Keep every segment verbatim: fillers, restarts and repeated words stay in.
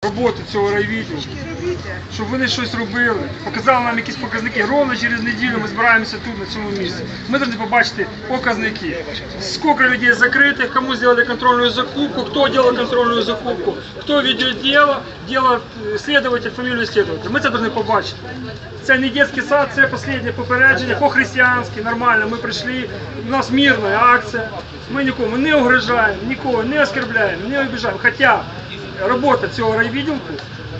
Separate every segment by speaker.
Speaker 1: Роботу цього райвідділу, щоб вони щось робили, показали нам якісь показники. Ровно через неділю ми збираємося тут, на цьому місці. Ми повинні побачити показники. Скільки людей закритих, кому зробили контрольну закупку, хто робив контрольну закупку, хто веде діло, діло слідователь, фамілію слідователя. Ми це повинні побачити. Це не дитячий сад, це останнє попередження, по-християнськи, нормально. Ми прийшли, у нас мирна акція. Ми нікому не угрожаємо, нікого не оскорбляємо, не обіжаємо. Хоча робота цього райвідділку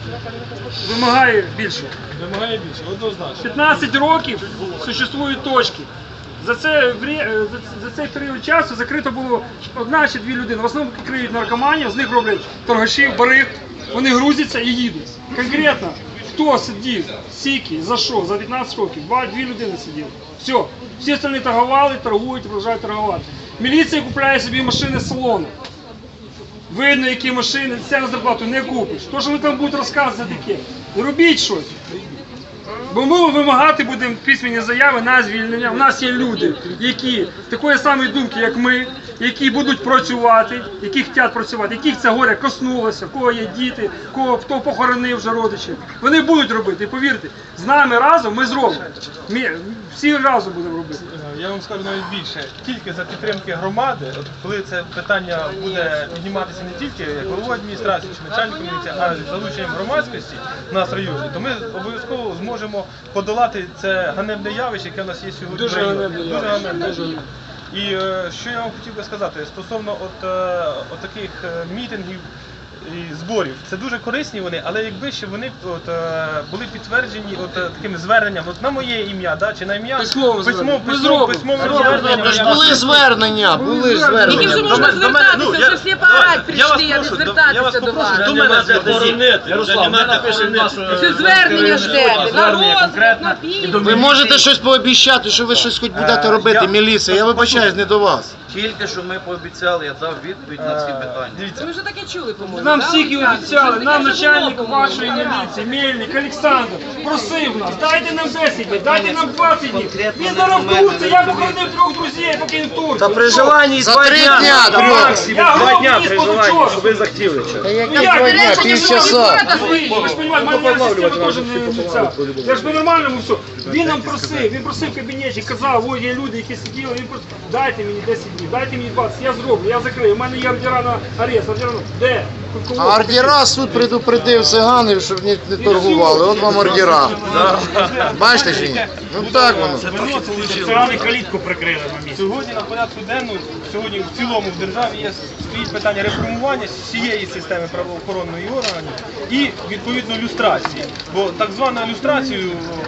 Speaker 1: вимагає більше.
Speaker 2: Вимагає більше, однозначно.
Speaker 1: п'ятнадцять років существують точки. За, це, за цей період часу закрито було одна чи дві людини. В основному криють наркоманів, з них роблять торгашів, бариг. Вони грузяться і їдуть. Конкретно, хто сидів, скільки, за що, за п'ятнадцять років, два-дві людини сиділи. Все. Всі остальні торгували, торгують, продовжують торгувати. Міліція купляє собі машини з салону. Видно, які машини, це на зарплату не купиш. То, що вони там будуть розказувати таке, робіть щось. Бо ми вимагати будемо письмені заяви на звільнення. У нас є люди, які такої самої думки, як ми, які будуть працювати, які хочуть працювати, яких це горе коснулося, в кого є діти, кого, хто похоронив вже родичів. Вони будуть робити, і повірте, з нами разом ми зробимо. Ми всі разом будемо робити.
Speaker 2: Я вам скажу навіть більше, тільки за підтримки громади, от коли це питання буде підніматися не тільки як головою адміністрації чи начальником міліції, а з залученням громадськості в нас в районі, то ми обов'язково зможемо подолати це ганебне явище, яке в нас є сьогодні.
Speaker 1: Дуже ганебне.
Speaker 2: Дуже ганебне. І е, що я вам хотів би сказати стосовно от, е, от таких е, мітингів і зборів, це дуже корисні вони, але якби ще вони от, е, були підтверджені от, е, таким зверненням, от на моє ім'я, да, чи на ім'я
Speaker 1: Письмове
Speaker 2: письмове
Speaker 1: звернення.
Speaker 2: письмове
Speaker 1: Зробимо.
Speaker 2: звернення.
Speaker 3: Тож були звернення, були звернення.
Speaker 4: Тільки вже можна звертатися, вже всі поорать прийшли, а не звертатися до вас.
Speaker 5: До мене заборонити. Ярослав, ми напишемо
Speaker 4: Це звернення ждете, на розвиток, на підтримку.
Speaker 3: Ви можете щось пообіцяти, що ви щось хоч будете робити, міліція, я вибачаюсь, не до вас.
Speaker 5: Тільки що ми пообіцяли, я дав відповідь на всі питання.
Speaker 2: Дивіться,
Speaker 4: Ви вже таке чули, по-моєму.
Speaker 1: Нам
Speaker 4: да,
Speaker 1: всіх і
Speaker 4: Олександр?
Speaker 1: обіцяли,
Speaker 4: Вже
Speaker 1: нам
Speaker 4: таке вже
Speaker 1: начальник
Speaker 4: було, по-моєму,
Speaker 1: вашої
Speaker 4: да.
Speaker 1: міліції, Мельник, Олександр, просив нас, дайте нам десять днів, дайте нам двадцять днів. Він зараз в Турці, я похоронив трьох друзів, поки він в Турці.
Speaker 6: Та при желанні
Speaker 3: За
Speaker 6: два
Speaker 3: три
Speaker 6: дня,
Speaker 3: дня,
Speaker 6: та
Speaker 3: друг.
Speaker 6: максимум
Speaker 1: Я
Speaker 6: два
Speaker 1: гроб
Speaker 6: дня
Speaker 1: вниз
Speaker 6: при
Speaker 1: позавчора.
Speaker 6: желанні, щоб ви захотіли.
Speaker 3: Та
Speaker 1: Ну
Speaker 3: яке
Speaker 1: як,
Speaker 3: два
Speaker 1: ви
Speaker 3: дня,
Speaker 1: речі,
Speaker 3: півчаса.
Speaker 1: ви ж розумієте, моя система теж не ця. Я ж по-нормальному все. Він нам просив, він просив в кабінеті, казав, ой, є люди, які сиділи, він просто, дайте мені десять днів, дайте мені двадцять, я зроблю, я закрию. У мене є ордера на арест, ордера на... Де? Кого?
Speaker 3: А ордера суд предупредив циганів, щоб не, не торгували. От вам ордера. Бачите чи ні? Ну так воно.
Speaker 2: Цигани калітку прикрили на місці. Сьогодні на порядку денному, сьогодні в цілому в державі є стоїть питання реформування всієї системи правоохоронної органів і відповідно люстрації. Бо так звана люстрація,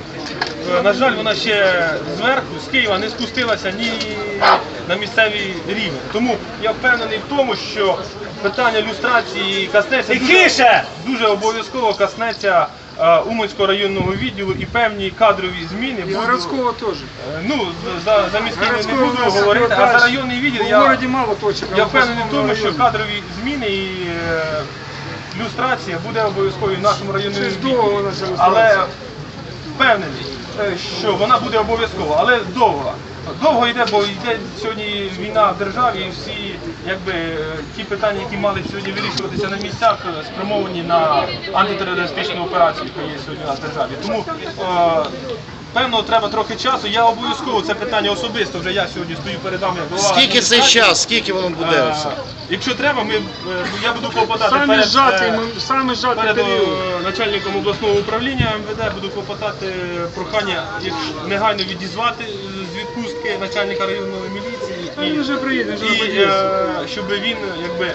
Speaker 2: на жаль, вона ще зверху, з Києва не спустилася ні на місцевий рівень. Тому я впевнений в тому, що питання люстрації коснеться дуже, дуже обов'язково коснеться е, Уманського районного відділу і певні кадрові зміни.
Speaker 1: І
Speaker 2: Буду-
Speaker 1: городського теж.
Speaker 2: е, Ну, за, за міський не
Speaker 1: Городського
Speaker 2: буду
Speaker 1: у нас
Speaker 2: говорити, а за
Speaker 1: дальше.
Speaker 2: районний відділ
Speaker 1: В
Speaker 2: я,
Speaker 1: городі мало точок. а
Speaker 2: я
Speaker 1: в
Speaker 2: впевнений в тому,
Speaker 1: основному
Speaker 2: що
Speaker 1: районі.
Speaker 2: кадрові зміни і е, люстрація буде обов'язковою в нашому районному
Speaker 1: Щось
Speaker 2: відділі.
Speaker 1: довго вона ця
Speaker 2: Але
Speaker 1: люстрація.
Speaker 2: впевнений, е, що вона буде обов'язкова, але довго. Довго йде, бо йде сьогодні війна в державі і всі якби, е, ті питання, які мали сьогодні вирішуватися на місцях, е, спрямовані на антитерористичну операцію, яка є сьогодні у нас в державі. Тому е, певно треба трохи часу. Я обов'язково це питання особисто, вже я сьогодні стою перед вами як голова
Speaker 3: Скільки цей
Speaker 2: адміністрації.
Speaker 3: час, скільки воно буде
Speaker 2: Е,
Speaker 3: все?
Speaker 2: Якщо треба, ми, е, я буду клопотати
Speaker 1: Самі
Speaker 2: перед,
Speaker 1: зжатий,
Speaker 2: е,
Speaker 1: ми- самі зжатий
Speaker 2: перед е,
Speaker 1: період.
Speaker 2: начальником обласного управління ем ве де, буду клопотати прохання якщо негайно відізвати з відпустки начальника районної міліції
Speaker 1: Та він вже приїде, він вже
Speaker 2: і
Speaker 1: подіється.
Speaker 2: е, щоб він якби.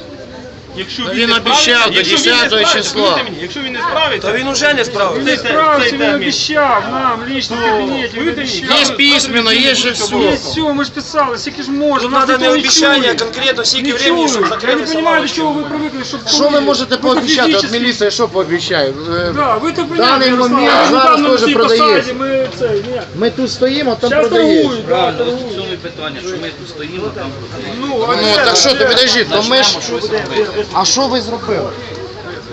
Speaker 2: Якщо
Speaker 3: Він
Speaker 2: не
Speaker 3: обіцяв
Speaker 2: справиться-
Speaker 3: до
Speaker 2: якщо він не
Speaker 3: десятого
Speaker 2: справиться,
Speaker 3: числа.
Speaker 2: повірте мені, якщо він не справиться,
Speaker 6: Та він уже не справився.
Speaker 1: Він
Speaker 2: цей
Speaker 1: не
Speaker 2: те-
Speaker 1: справився,
Speaker 2: цей
Speaker 1: він
Speaker 2: термін.
Speaker 1: обіцяв нам, лично в
Speaker 2: Ну,
Speaker 1: кабінеті, він
Speaker 2: повірте мені,
Speaker 1: обіцяв.
Speaker 3: Є письменно, є же все.
Speaker 1: Є все, ми ж писали, скільки ж можна.
Speaker 6: Тут
Speaker 1: нас
Speaker 6: треба не
Speaker 1: ніхто
Speaker 6: обіцяння,
Speaker 1: чує.
Speaker 6: конкретно скільки
Speaker 1: Не
Speaker 6: времени, щоб
Speaker 1: чують. Я
Speaker 6: закрили
Speaker 1: не розумію, до
Speaker 6: лавочки.
Speaker 1: чого ви привикли, щоб...
Speaker 3: Що ви можете
Speaker 1: Ви
Speaker 3: пообіцяти? От
Speaker 1: фізично-
Speaker 3: міліція що пообіцяє? Е,
Speaker 1: Да, ви то
Speaker 3: Даний
Speaker 1: понятно,
Speaker 3: момент
Speaker 1: Ярослав,
Speaker 3: зараз
Speaker 1: недавно на
Speaker 3: теж
Speaker 1: цій
Speaker 3: продається.
Speaker 1: посаді Ми це, ні.
Speaker 3: Ми тут стоїмо, там
Speaker 1: Зараз
Speaker 3: продається.
Speaker 1: торгують, да,
Speaker 5: Правильно, ось в
Speaker 1: торгують.
Speaker 5: цьому і питання, що ми тут стоїмо, там продаємо.
Speaker 1: Ну, а
Speaker 3: Ну
Speaker 1: де?
Speaker 3: так що, то
Speaker 1: Де?
Speaker 3: підожди, то ми ж...
Speaker 5: Почнемо щось робити.
Speaker 3: А що ви зробили?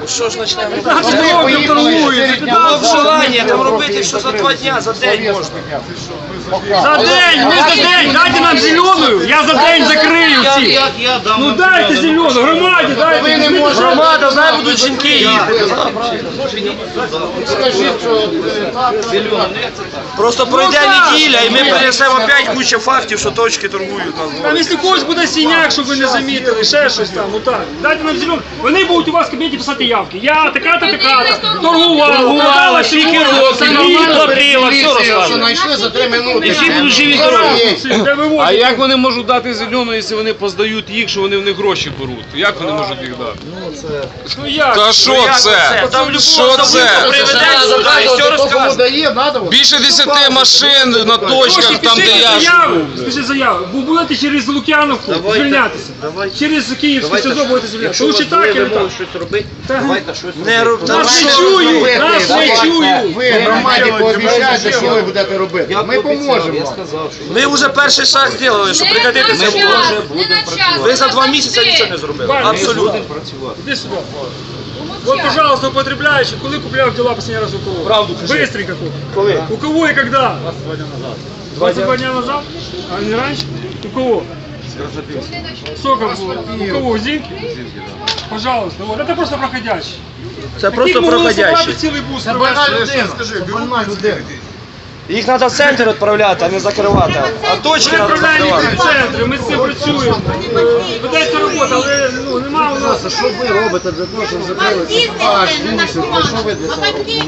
Speaker 6: що ж почнемо?
Speaker 1: п'ятнадцять років торгують.
Speaker 6: Було б желання там робити, що за два дня, за день можна.
Speaker 1: За день, ми за день, дайте нам зеленую, я за день закрию всі.
Speaker 5: Як я дам?
Speaker 1: Ну дайте зелену, громаді дайте.
Speaker 6: Громада, знає, будуть жінки їхати.
Speaker 3: Скажіть, що
Speaker 6: Просто пройде неділя і ми принесемо опять кучу фактів, що точки торгують нас.
Speaker 1: Там якщо когось буде синяк, щоб ви не замітили, ще щось там, ну так. Дайте нам зелену. Вони будуть у вас в кабінеті писати явки. Я така-то, така-то, торгувала,
Speaker 6: Торгувала, скільки років, мені платила, все
Speaker 3: що
Speaker 6: розказує.
Speaker 3: знайшли за три минути.
Speaker 6: Всі будуть живі здорові.
Speaker 1: Де вивозять.
Speaker 7: А як вони можуть дати зелену, якщо вони поздають їх, що вони в них гроші беруть? Як вони можуть їх дати?
Speaker 1: Ну як?
Speaker 7: Та що це?
Speaker 6: Там любого
Speaker 7: Що це?
Speaker 6: приведуть сюди і все
Speaker 3: Кому
Speaker 6: розкаже.
Speaker 3: дає, надо.
Speaker 7: Більше десяти машин на точках, там де я.
Speaker 1: заяву, пишіть заяву. Бо будете через Лук'яновку звільнятися. Через Київське СИЗО будете звільнятися. Лучше так і не так.
Speaker 5: щось робити,
Speaker 1: Та,
Speaker 5: давайте щось
Speaker 6: Не роб-
Speaker 1: Нас не
Speaker 3: що
Speaker 1: чують,
Speaker 3: робити?
Speaker 1: нас не чують.
Speaker 3: Ви громаді пообіцяєте, що ви будете робити. Ми поможемо
Speaker 5: Я
Speaker 3: вам.
Speaker 5: сказав, що
Speaker 6: Ми вже перший шаг зробили, щоб прекратити це. Ви за два місяці нічого не зробили. Абсолютно.
Speaker 1: Иди сюда. Вот, пожалуйста, употребляющий, коли купляв дела последний раз у кого?
Speaker 6: Правду кажи.
Speaker 1: Быстренько купил.
Speaker 6: Коли?
Speaker 1: У кого и когда? двадцать два дня назад. А не раньше? У кого? Сколько было? У кого? У Зинки? Пожалуйста, вот. Это просто проходящий.
Speaker 6: Це просто проходящий.
Speaker 1: Цілий бус.
Speaker 3: Це больна людина, скажи, больна людина.
Speaker 6: Їх треба в центр відправляти, а не закривати. А точки
Speaker 1: Ми
Speaker 6: треба
Speaker 1: відправляємо їх
Speaker 6: закривати.
Speaker 1: в центри, ми з цим працюємо. Е, Ведеться робота, але ну, немає у нас.
Speaker 3: Що ви робите для того, щоб закрили ваш місяць? Що ви для цього робите?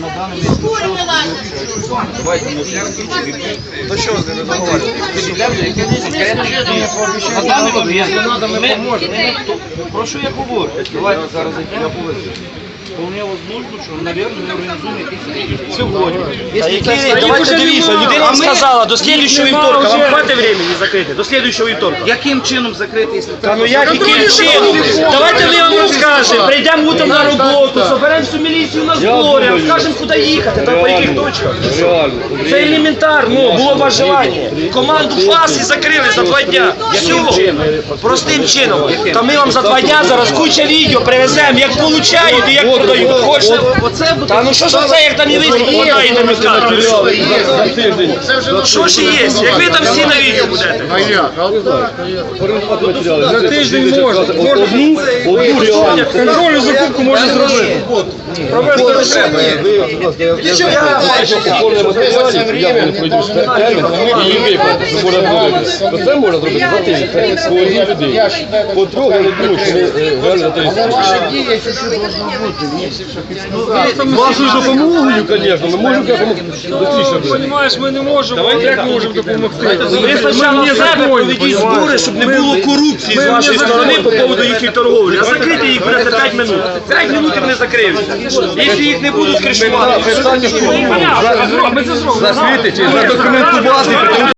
Speaker 6: То що з ними договорювати?
Speaker 5: на даний момент ми, про що я говорю? Давайте зараз я повезу. Вполне возможно, що, мабуть, ми організуємо якісь сьогодні.
Speaker 6: Та який рік? Давайте дивіться, людина вам сказала, до слідуючого вівторка, вам хватить времени закрити, до слідуючого вівторка.
Speaker 5: Яким чином закрити, якщо
Speaker 6: Та ну як яким чином? Давайте ми вам розкажемо, прийдемо утром на роботу, соберемо всю міліцію на зборі, розкажемо, куди їхати, та по яких точках. Це елементарно, було ваше желання. Команду ФАС і закрили за два дня. Все, простим чином. Та ми вам за два дня зараз куча відео привеземо, як получають і як продають. Хочете? Та ну що ж це, як там і вийде, вода і намікати. Що ж є? Як ви там всі на відео будете?
Speaker 3: А як? А так, а як?
Speaker 1: За тиждень можна. Можна контрольну закупку можна зробити. Провести розширення.
Speaker 8: Це можна зробити за тиждень, своїй людині. По-друге, я думаю, що ми реально за
Speaker 3: Але ваші дії чуть-чуть должно бути. Є що підсказати.
Speaker 8: вашою допомогою, звісно, ми можемо допомогти.
Speaker 1: Ну, Понімаєш, ми не можемо, як ми можемо допомогти?
Speaker 6: Ви спочатку в себе проведіть збори, щоб не було корупції з вашої сторони по поводу їхньої торговлі. А закрити їх буде за п'ять минут. п'ять минут і вони закриються. Якщо їх не будуть кришувати.
Speaker 1: Понятно, ми це зробимо.
Speaker 8: Задокументувати,